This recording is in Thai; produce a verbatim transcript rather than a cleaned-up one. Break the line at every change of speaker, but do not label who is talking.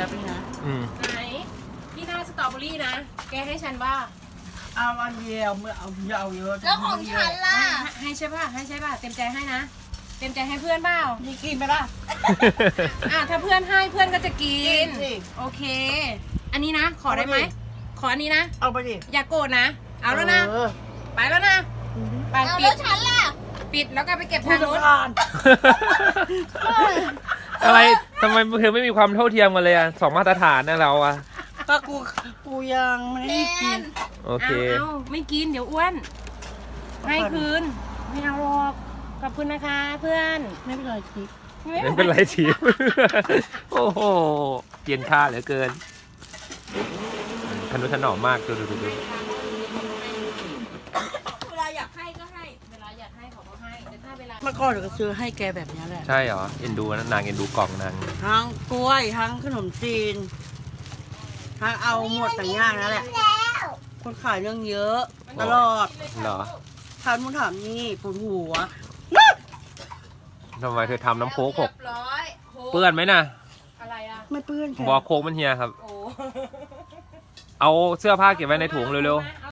ป๊บนึงนะ
อืม
ไหนพี่หน้าสตรอเบอรี่นะแกให้ฉันว่า
เอาอันเดียวเมื่อเอายาวเยอะ
แล้วของฉันล่ะ
ให้ให้ใช่ป่ะให้ใช่ป่ะเต็มใจให้นะเต็มใจให้เพื่อนเปล่า
นี่กินไหมล่ะ
อ่ะถ้าเพื่อนให้เพื่อนก็จะกิ
กิ
น
นสิ
โอเค อันนี้นะขอได้ไหม
เอาไปดิ
ขออันนี้นะ
เอาไปดิ
อย่าโกรธนะ เอาแล้วนะ
เออ
ไปแล้วนะไป
เอา
ปิ
แล้
ด
วฉันล่ะ
ปิดแล้วก็ไปเก็บ
ผู้
ทาง
จัด
นู้น
การ
อะไรทำไมเธอไม่มีความเท่าเทียมกันเลยอ่ะสองมาตรฐานนะเราอ่ะ
ก็กูกูยังไม่
แน
ได้กิน
น
โอเค
เอาเอาไม่กินเดี๋ยวอ้วน ให้คืน ไม่เอาหรอก ขอบคุณนะคะเพื่อน
ไม่เป็นไรคิด
ไม่เป็นไรทีม โอ้โหเย็นค่าเหลือเกินทนุถนอมมากดูดูดูดู
เวลาอยากให้ก็ให้ เวลาอยากให้เขาก็ให้ แต่ถ้าเวลา
เมื่อก่อนก็ซื้อให้แกแบบนี้แหละ
ใช่เหรอ เอ็นดูนะนางเอ็นดูกล่องนาง
ทั้งกล้วยทั้งขนมจีนทั้งเอาหมดต่างอย่างนั่นแหละ คนขายเรื่องเยอะตลอด
เหรอ
ถามนู่นถามนี่ปวดหัว
ทำไมเธอทำน้ำโค้กหก
เรียบร้อยโค้ก
เปื้อนไหมนะ
อะไรอ่ะ
ไม่เปื้อนแก
บอกโค้กมันเฮียครับ
โอ้
เอาเสื้อผ้าเก็บไว้ในถุงเร็ว
ๆ